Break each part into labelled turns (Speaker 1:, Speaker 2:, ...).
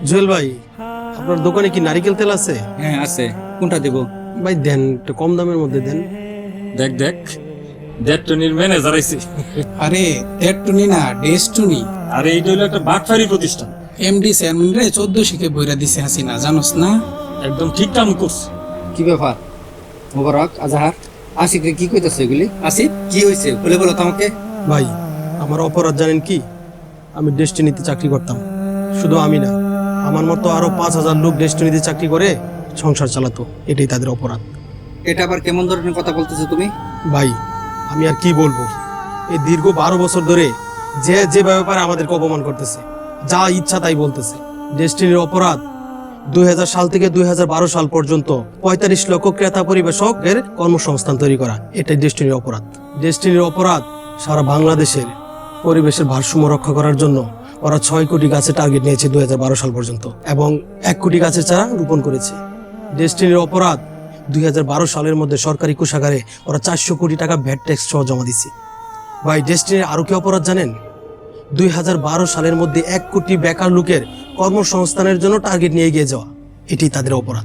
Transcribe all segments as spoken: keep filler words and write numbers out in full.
Speaker 1: জুয়েল ভাই, আপনার দোকানে কি নারিকেল তেল আছে?
Speaker 2: হ্যাঁ আছে, কোনটা দেব?
Speaker 1: ভাই দেন, একটু কম দামের মধ্যে দেন।
Speaker 2: দেখ দেখ, ডেটটনির ম্যানেজার আইছে।
Speaker 3: আরে দেড়টুনি না, ডেস্টুনি।
Speaker 2: আরে এইটা হলো একটা বাটফারি প্রতিষ্ঠান।
Speaker 3: এমডি চেয়ারম্যান রে চোদ্দ শিখে বইরা দিছে হাসিনা, জানোস না?
Speaker 2: একদম ঠিক কাম করছে।
Speaker 4: কি ব্যাপার মোবারক আজাহার আসিফ রে কি কইতাছে এগুলি? আসিফ কি হয়েছে বলে বলো তো আমাকে।
Speaker 1: ভাই আমার অপরাধ জানেন কি? আমি ডেস্টিনিতে চাকরি করতাম। শুধু আমি না, আমার মতো আরো পাঁচ হাজার লোক ডেস্টিনিতে চাকরি করে সংসার চালাতো। এটাই তাদের অপরাধ।
Speaker 4: এটা আবার কেমন ধরনের কথা বলতেছো তুমি?
Speaker 1: ভাই আমি আর কি বলবো, এই দীর্ঘ বারো বছর ধরে যে যে ব্যাপারে আমাদেরকে অপমান করতেছে, যা ইচ্ছা তাই বলতেছে। ডেস্টিনির অপরাধ দুই হাজার সাল থেকে দুই হাজার বারো সাল পর্যন্ত পঁয়তাল্লিশ লক্ষ ক্রেতা পরিবেশকের কর্মসংস্থান তৈরি করা, এটাই ডেস্টিনির অপরাধ। ডেস্টিনির অপরাধ সারা বাংলাদেশের পরিবেশের ভারসাম্য রক্ষা করার জন্য ওরা ছয় কোটি গাছের টার্গেট নিয়েছে দুই হাজার বারো সাল পর্যন্ত, এবং এক কোটি গাছের চারা রোপণ করেছে। ডেস্টিনির অপরাধ দুই হাজার বারো সালের মধ্যে সরকারি কোষাগারে ওরা চারশো কোটি টাকা ভ্যাট ট্যাক্স সহ জমা দিচ্ছে। ভাই ডেস্টিনির আরো কি অপরাধ জানেন? দুই হাজার বারো সালের মধ্যে এক কোটি বেকার লোকের কর্মসংস্থানের জন্য টার্গেট নিয়ে এগিয়ে যাওয়া, এটি তাদের অপরাধ।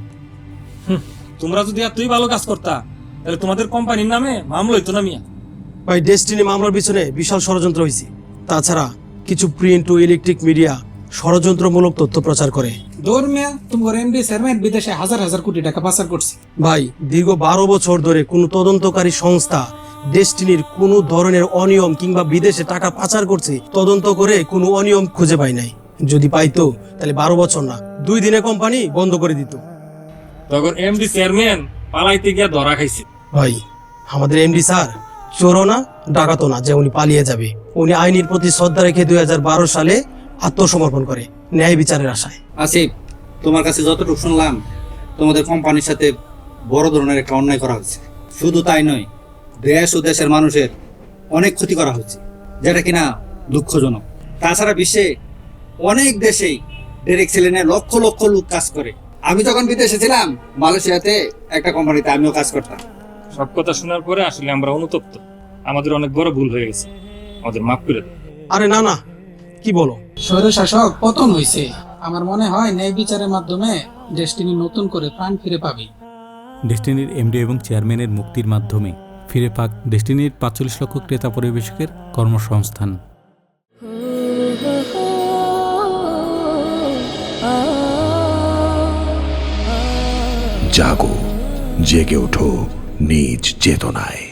Speaker 2: তোমরা যদি এতই ভালো কাজ করতা তাহলে তোমাদের কোম্পানির নামে মামলা হইতো না মিয়া।
Speaker 1: ভাই ডেস্টিনি মামলার পিছনে বিশাল ষড়যন্ত্র হয়েছে। তাছাড়া কিছু প্রিন্ট ও ইলেকট্রিক মিডিয়া ষড়যন্ত্রমূলক তথ্য প্রচার করে।
Speaker 3: দৌড় মিয়া, তোমার এমডি চেয়ারম্যান বিদেশে হাজার হাজার কোটি টাকা পাচার করছে।
Speaker 1: ভাই দীর্ঘ বারো বছর ধরে কোনো তদন্তকারী সংস্থা ডেস্টিনির কোনো ধরনের অনিয়ম কিংবা বিদেশে টাকা পাচার করছে তদন্ত করে কোনো অনিয়ম খুঁজে পায় নাই। যদি পাইতো তাহলে বারো বছর না, দুই দিনে কোম্পানি বন্ধ করে দিত।
Speaker 2: তখন এমডি চেয়ারম্যান পালাইতে গিয়া ধরা খাইছে।
Speaker 1: ভাই আমাদের এমডি স্যার চোরও না ডাকাতো না যে উনি পালিয়ে যাবে। উনি আইনের প্রতি শ্রদ্ধা রেখে দুই হাজার বারো সালে আত্মসমর্পণ করে ন্যায় বিচারের আশায়।
Speaker 4: আসিফ, তোমার কাছে যতটুকু শুনলাম তোমাদের কোম্পানির সাথে বড় ধরনের একটা অন্যায় করা হচ্ছে। শুধু তাই নয়, দেশ ও দেশের মানুষের অনেক ক্ষতি করা হচ্ছে, যেটা কিনা দুঃখজনক। তাছাড়া বিশ্বে অনেক দেশেই ডেরেক ছেলেনে লক্ষ লক্ষ লোক কাজ করে। আমি যখন বিদেশে ছিলাম মালয়েশিয়াতে একটা কোম্পানিতে আমিও কাজ করতাম।
Speaker 2: সব কথা শোনার পরে আসলে আমরা অনুতপ্ত। আমাদের অনেক বড় ভুল হয়ে গেছে, আমাদের মাফ করে দাও।
Speaker 1: আরে না না, কি বলো?
Speaker 3: স্বৈরশাসক পতন হয়েছে। আমার মনে হয় ন্যায় বিচারের মাধ্যমে ডেস্টিনি নতুন করে প্রাণ ফিরে পাবে।
Speaker 5: ডেস্টিনির এমডি এবং চেয়ারম্যানের মুক্তির মাধ্যমে ফিরে পাক ডেস্টিনির পাঁচচল্লিশ লক্ষ ক্রেতা পরিবেশকের কর্মসংস্থান।
Speaker 6: জাগো, জেগে ওঠো নিজ চেতনায়।